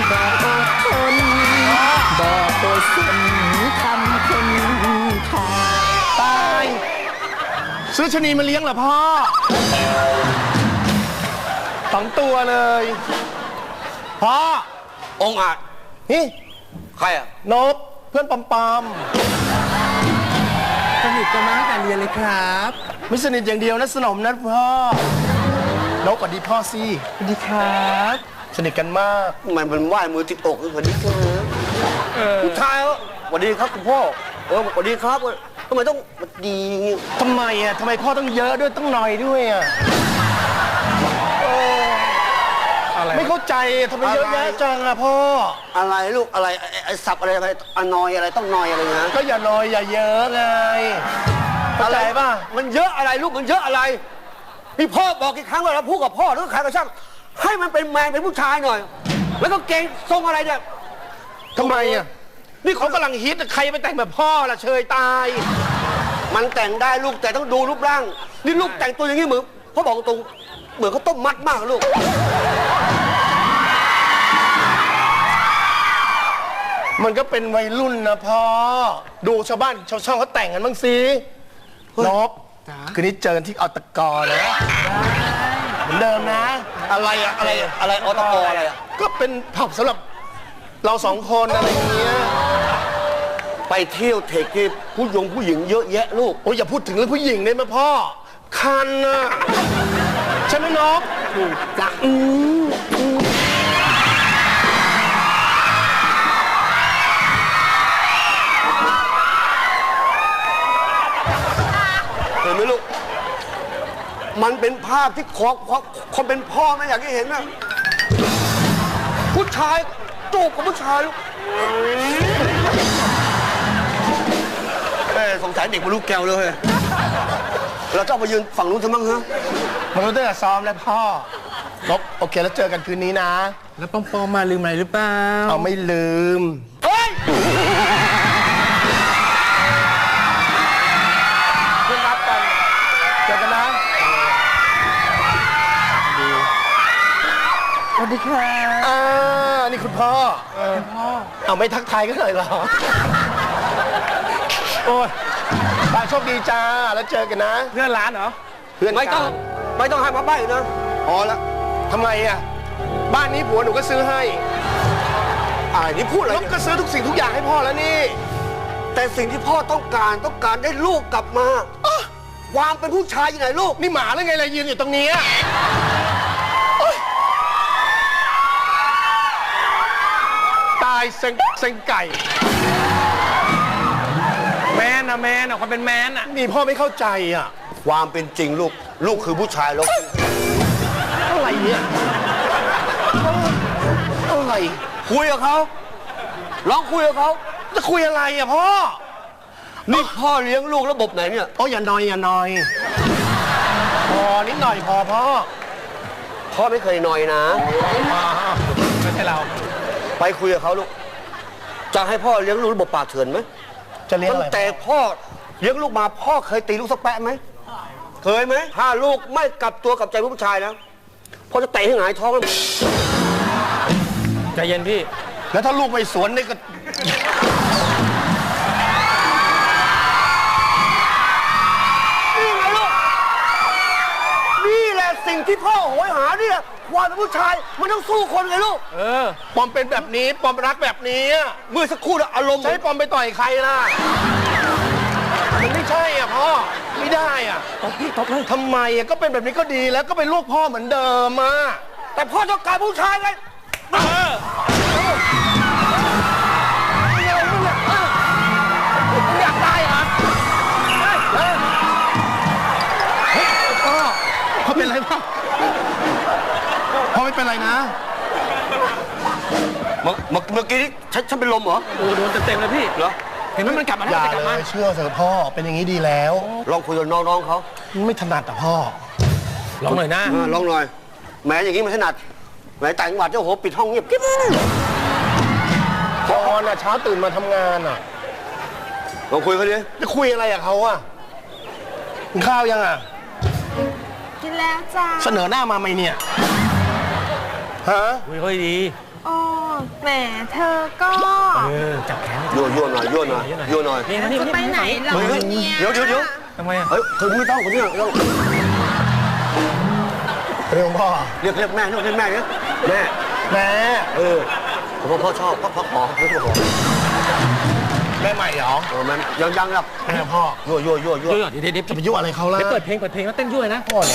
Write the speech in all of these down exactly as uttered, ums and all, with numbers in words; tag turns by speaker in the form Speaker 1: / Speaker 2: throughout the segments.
Speaker 1: บอกอดทนบอกโดยสิ้นคำคนไทย
Speaker 2: ตายซื้อชะนีมาเลี้ยงเหรอพ่อสองตัวเลยพ่อ
Speaker 3: องอาจ
Speaker 2: นี่
Speaker 3: ใครอะ
Speaker 2: นบเพื่อนปอมปอม
Speaker 1: สนิทกันมาตั้งแต่เรียนเลยครับ
Speaker 2: ไม่สนิทอย่างเดียวนะสนมนะพ่อนบสวัสดีพ่อสิ
Speaker 1: สวัสดีครับ
Speaker 2: สนิทกันมาก
Speaker 3: มันมันไหว้มือติดอกสวัสดีครับผู้ชายสวัสดีครับคุณพ่อเออสวัสดีครับทำไมต้องสวัสดี
Speaker 2: ทำไมอ่ะทำไมพ่อต้องเยอะด้วยต้องหน่อยด้วยอ่ะไม่เข้าใจทำไมเยอะแยะจังอะพ่อ
Speaker 3: อะไรลูกอะไรไอ้สับอะไรอะไรอนอยอะไรต้องนอยอะไรนะ
Speaker 2: ก็อย่านอยอย่าเยอะไงเข้าใจป่ะ
Speaker 3: มันเยอะอะไรลูกมันเยอะอะไรพี่พ่อบอกกี่ครั้งว่าเราพูดกับพ่อหรือใครก็ช่างให้มันเป็นแมนเป็นผู้ชายหน่อยแล้วก็เก่งทรงอะไรเนี่ย
Speaker 2: ทำไมอะนี่เขากำลังฮิตใครไปแต่งแบบพ่อล่ะเชยตาย
Speaker 3: มันแต่งได้ลูกแต่ต้องดูรูปร่างนี่ลูกแต่งตัวอย่างนี้เหมือนพ่อบอกตรงเหมือนเขาต้มมัดมากลูก
Speaker 2: มันก็เป็นวัยรุ่นนะพ่อดูชาวบ้านชาวช่องเขาแต่งกันบ้างสินบคืนนี้เจอที่อตกนะเหมือนเดิมนะ
Speaker 3: อะไรอะอะไรอะไรอตกอะไรอะ
Speaker 2: ก็เป็นผับสำหรับเราสองคนอะไรอย่างเงี้ย
Speaker 3: ไปเที่ยวเทคผู้หญิงผู้หญิงเยอะแยะลูก
Speaker 2: โอ้ยอย่าพูดถึงเรื่องผู้หญิงได้ไหมพ่อคันนะใช่ไหมนบ
Speaker 1: ถูกจ้ะ
Speaker 2: อืม
Speaker 3: เห็นไหมลูกมันเป็นภาพที่ขอคนเป็นพ่อไม่อยากให้เห็นนะผู้ชายจูบกับผู้ชายลูกเออสงสัยเด็กมาลูกแก้วเลยเราจะมายืนฝั่งนู้นทำไมฮะ
Speaker 2: มันรู้ตั้งแต่ซ้อมแล้วพ่อนบโอเคแล้วเจอกันคืนนี้นะ
Speaker 1: แล้วปอมปอมมาลืมอะไรหรือเปล่า
Speaker 2: เอาไม่ลืม
Speaker 3: เฮ้ย
Speaker 2: เพื่อนรักกันเจอกันนะ
Speaker 1: สวัสดีค่ะ
Speaker 2: อ่านี่คุณพ่อ
Speaker 1: คุณพ่อ
Speaker 2: เอาไม่ทักทายกันเลยเหรอโอ้ยบายโชคดีจ้าแล้วเจอกันนะ
Speaker 1: เพื่อนร้านเหรอ
Speaker 2: เพื่อน
Speaker 3: ไม่ต้องไม่ต้องให้มาใบ้นะพอแล้ว
Speaker 2: ทำไมอ่ะบ้านนี้ผัวหนูก็ซื้อให้
Speaker 3: อ่านี่พูดอะไร
Speaker 2: นบก็ซื้อทุกสิ่งทุกอย่างให้พ่อแล้วนี่
Speaker 3: แต่สิ่งที่พ่อต้องการต้องการได้ลูกกลับมาความเป็นผู้ชายยังไงลูก
Speaker 2: นี่หมาหรือไงเลยยืนอยู่ตรงนี้ตายเซ็งเซ็งไก่
Speaker 1: แมนนะแมนอ่ะความเป็นแมนอ่ะ
Speaker 2: นี่พ่อไม่เข้าใจอ่ะ
Speaker 3: ความเป็นจริงลูกลูกคือผู้ชายลูก
Speaker 2: อะไรเนี่ยอะไร
Speaker 3: คุยกับเขาลองคุยกับเขา
Speaker 2: จะคุยอะไรอ่ะพ่อ
Speaker 3: นี่พ่อเลี้ยงลูกระบบไหนเนี่ย
Speaker 2: อ๋ออย่านอยอย่านอยพอนิดหน่อยพอพ่อ
Speaker 3: พ่อไม่เคยนอยนะ
Speaker 2: ไม่ใช่เรา
Speaker 3: ไปคุยกับเขาลูกจะให้พ่อเลี้ยงลูกระบบป่าเถื่อนไหม
Speaker 2: จะเลี้ยงอะไร
Speaker 3: ตั้งแต่พ่อเลี้ยงลูกมาพ่อเคยตีลูกสักแปะไหมเคยไหมถ้าลูกไม่กลับตัวกลับใจผู้ชายนะพ่อจะเตะให้หงายท้องแล้ว
Speaker 1: ใจเย็นพี่
Speaker 2: แล้วถ้าลูกไปสวนนี่ก็
Speaker 3: นี่ไงลูกนี่แหละสิ่งที่พ่อโหยหาเนี่ยความเป็นผู้ชายมันต้องสู้คนไงลูก
Speaker 2: เออปอมเป็นแบบนี้ปอมรักแบบนี้
Speaker 3: เมื่อสักครู่แล้วอารมณ์
Speaker 2: ใช้ปอมไปต่อยใครล่ะมันไม่ใช่อ่ะพ่อไม่ได้อ่ะ
Speaker 1: ตบพี่ตบเลย
Speaker 2: ทำไมอ่ะก็เป็นแบบนี้ก็ดีแล้วก็เป็นลูกพ่อเหมือนเดิมอ่ะ
Speaker 3: แต่พ่อต้องการผู้ชายไงเออ
Speaker 2: อยากได้เหรอพ่อพ่อเป็นไรพ่อพ่อไม่เป็นไรนะ
Speaker 3: เมื่อเมื่อกี้ฉันฉันเป็นลมเหรอ
Speaker 1: โอ้โดนเต็มๆเลยพี่
Speaker 3: เหรอ
Speaker 1: เห็นไหมมันกลับมา
Speaker 2: อย่าเลยเชื่อเถอะพ่อเป็นอย่างนี้ดีแล้ว
Speaker 3: ลองคุยกับน้องๆเขา
Speaker 2: ไม่ถนัดอ่ะพ่อ
Speaker 1: ลองหน่อยนะ
Speaker 3: ลองหน่อยแม้อย่างนี้มันถนัดแม้ต่างจังหวัดเจ้าโหปิดห้องเงียบกิ๊บ
Speaker 2: ตอนน่ะเช้าตื่นมาทำงานอ่ะ
Speaker 3: ลองคุยเขาดิ
Speaker 2: จะคุยอะไรกับเขาอ่ะกินข้าวยังอ่ะ
Speaker 4: กินแล้วจ้า
Speaker 2: เสนอหน้ามาไหมเนี่ยฮะ
Speaker 1: คุยค่อยดี
Speaker 4: อ๋อแหมเธอก็
Speaker 1: เออจับแขน
Speaker 3: ยั่วยั่วหน่อยยั่วหน่อยยั่วหน่อย
Speaker 1: นี่นี่
Speaker 4: จะ
Speaker 1: นี่
Speaker 4: ไปไหนเหรอ
Speaker 3: เฮ้ย
Speaker 4: เนี่ย
Speaker 3: เดี๋ยวเดี๋ยวเดี๋ยว
Speaker 1: ทำไมอ่ะ
Speaker 3: เฮ้ยคนนี้ต้องคนนี้ต้อง
Speaker 2: เรื่องพ่อ
Speaker 3: เรียกเรียกแม่เรียกแม่เนี่ยแม่
Speaker 2: แม่
Speaker 3: เออผมว่าพ่อชอบพ่อพ่อขอพ่อขอ
Speaker 2: แม่ใหม่เหรอ
Speaker 3: เออมันยังยังครับ
Speaker 2: แม่พ่อ
Speaker 3: ยั่วยั่วยั่วยั่ว
Speaker 1: เดี๋ยวเดี๋ยวเดี๋ยว
Speaker 2: จะไปยุ่งอะไรเขาล่ะ
Speaker 1: เดี๋ยวเปิดเพลงเปิดเพลงแล้วเต้นด้วยนะ
Speaker 2: พ่อเนี่ย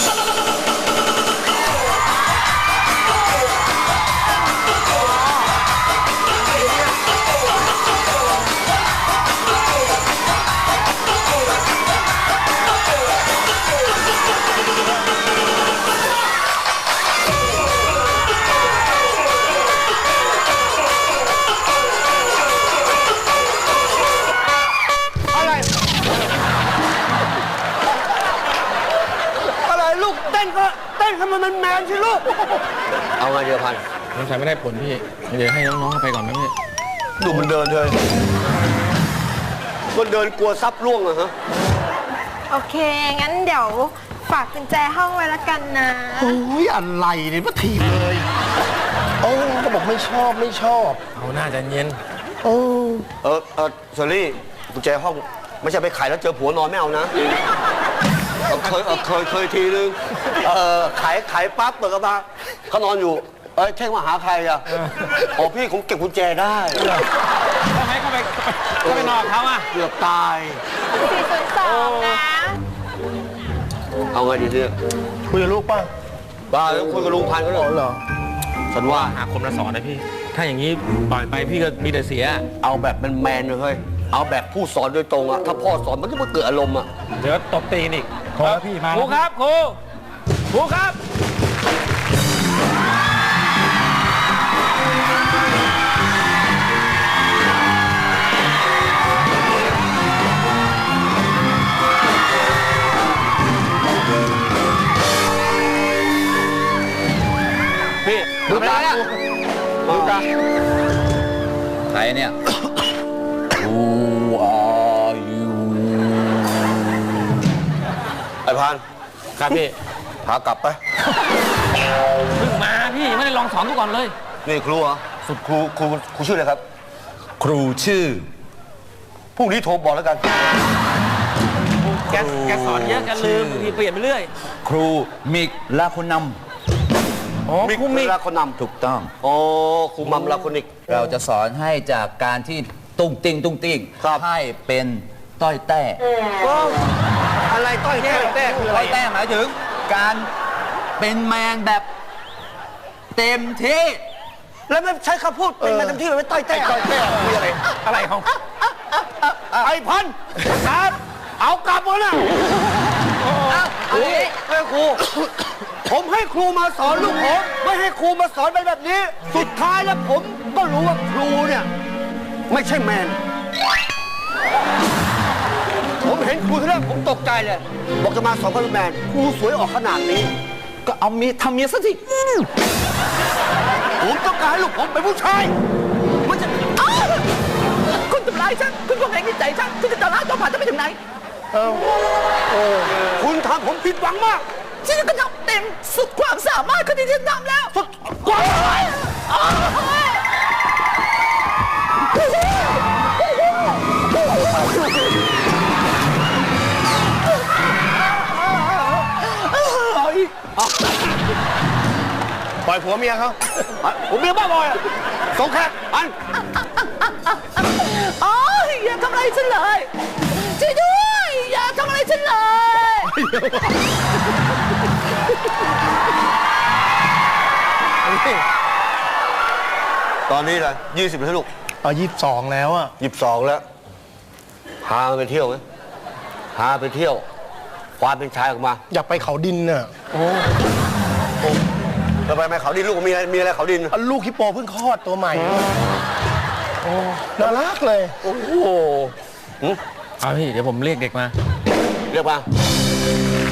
Speaker 3: อะไรอะไรลูกเต้นก็เต้นให้มันมันแมนสิลูกเอาไงเดียวพัน
Speaker 1: ยังใช้ไม่ได้ผลพี่เดี๋ยวให้น้องๆไปก่อนไหมพี่
Speaker 3: ดูมันเดินเลยมันเดินกลัวซับร่วงอะฮะ
Speaker 4: โอเค งั้นเดี๋ยวฝากกุญแจห้องไว้ละกันนะ
Speaker 2: โอ้ยอะไรเนี่ยมาถีบเลยโอ้ก็บอกไม่ชอบไม่ชอบ
Speaker 1: เอาหน้าใจเย็น
Speaker 2: โอ้
Speaker 3: เออเออเชอรี่กุญแจห้องไม่ใช่ไปขายแล้วเจอผัวนอนไม่เอานะเอาเคยเอาเคยเคยทีนึงเออขายขายปั๊บเปิดกระบะเขานอนอยู่เอ้ยเท่งมาหาใครอ่ะอ๋อพี่ผมเก็บกุญแจได้
Speaker 1: ทำไมเข้าไปเข้าไปนอนเขาอ่ะ
Speaker 3: เกือบตาย
Speaker 4: สี่ศูนย์สองนะ
Speaker 3: เอาไงดีเนี่ย
Speaker 2: คุยกับลูกป่ะ
Speaker 3: บ้าแล้วคุยกับลุงพันธุ์เขาเหรอ
Speaker 2: เหรอ
Speaker 3: ฉันว่า
Speaker 1: หาคมมาสอนนะพี่ ถ้าอย่างนี้ปล่อยไปพี่ก็มีแต่เสีย
Speaker 3: เอาแบบแมนๆเลยเฮ้ยเอาแบบผู้สอนโดยตรงอะถ้าพ่อสอนมันก็ไม่เกิดอารมณ์อะ
Speaker 1: เดี๋ยวตบตีนอีก
Speaker 2: พอแล้วพี่มา
Speaker 1: ครูครับครูครูครับ พี่
Speaker 3: ดูตาเนี่ยดูตา
Speaker 5: ใครเนี่ย Who are you
Speaker 3: ไอ้พัน
Speaker 1: ครับพี่
Speaker 3: พากลับไป
Speaker 1: เพิ่งมาพี่ยังไม่ได้ลองสอนกูก่อนเลย
Speaker 3: นี่ครูเหรอสุดครูครูครูชื่ออะไรครับ
Speaker 5: ครูชื่อ
Speaker 3: พรุ่งนี้โทรบอกแล้วกัน
Speaker 1: แกแกสอนเยอะแกันลืมบางทีเปลี่ยนไปเรื่อย
Speaker 5: ครูมิกลาคุณน
Speaker 1: อ๋อ
Speaker 3: มิก
Speaker 1: ครูมิก
Speaker 3: ลาคนน
Speaker 5: ำถูกต้อง
Speaker 3: ำอ๋อครูมัมลาคนอีก
Speaker 5: เราจะสอนให้จากการที่ตุ้งติ้งตุ้งติ้ง
Speaker 3: ครับ
Speaker 5: ให้เป็นต้อยแต้
Speaker 3: อะไรต้อยแต้แต้คืออะไร
Speaker 5: ต้อยแต้หมายถึง การเป็นแมนแบบเต็มที่
Speaker 3: แล้วไม่ใช้คำพูดเป็นมาเต็มที่เลยไม่ต้อยแต้
Speaker 2: ต้อยแต้คืออะไร
Speaker 1: อะไรของ
Speaker 3: ไอ้พันครับเอากลับมาน่ะ
Speaker 5: เฮ้ย
Speaker 3: ให้ครู ผมให้ครูมาสอนลูกผมไม่ให้ครูมาสอนเป็นแบบนี้ สุดท้ายแล้วผมก็รู้ว่าครูเนี่ยไม่ใช่แมน ผมเห็นครูที่แรกผมตกใจเลย บอกจะมาสอนเป็นแมนครูสวยออกขนาดนี้
Speaker 5: ก็เอาเมียทำเมียซะสิ
Speaker 3: ผมต้องการให้ลูกผมเป็นผู้ชายมันจะ
Speaker 5: คุณทำร้ายฉันคุณก็แหงใจฉันคุณจะตลาดต่อผ่านจะไปถึงไหน
Speaker 2: เอ้าโอ้
Speaker 3: คุณทำผมผิดหวังมาก
Speaker 5: ฉันก็ทำเต็มสุดความสามารถคนที่ฉันทำแล้ว
Speaker 3: สุดกว่า
Speaker 2: ปล่อยผัวเมียเขา
Speaker 3: ผมเมียบ้าบอยอะสงแขกอัน
Speaker 5: อ๋ออย่าทำอะไรฉันเลยช่วยด้วยอย่าทำอะไรฉันเลย
Speaker 3: ตอนนี้แหละยี่สิบแล้วลูก
Speaker 2: เอายี่สิบสองแล้วอ่ะ
Speaker 3: ยี่สิบสองแล้วพาไปเที่ยวไหมพาไปเที่ยวความเป็นชายออกมา
Speaker 2: อยากไปเขาดินน่ะ
Speaker 3: จะไปไหมเขาดินลูกมีอะไรมีอะไรเขาดิน
Speaker 2: เอาลูกฮิปโปเพิ่งคลอดตัวใหม่โอ้น่ารักเลย
Speaker 3: โอ้โห
Speaker 1: เอาพี่เดี๋ยวผมเรียกเด็กมา
Speaker 3: เรียกมา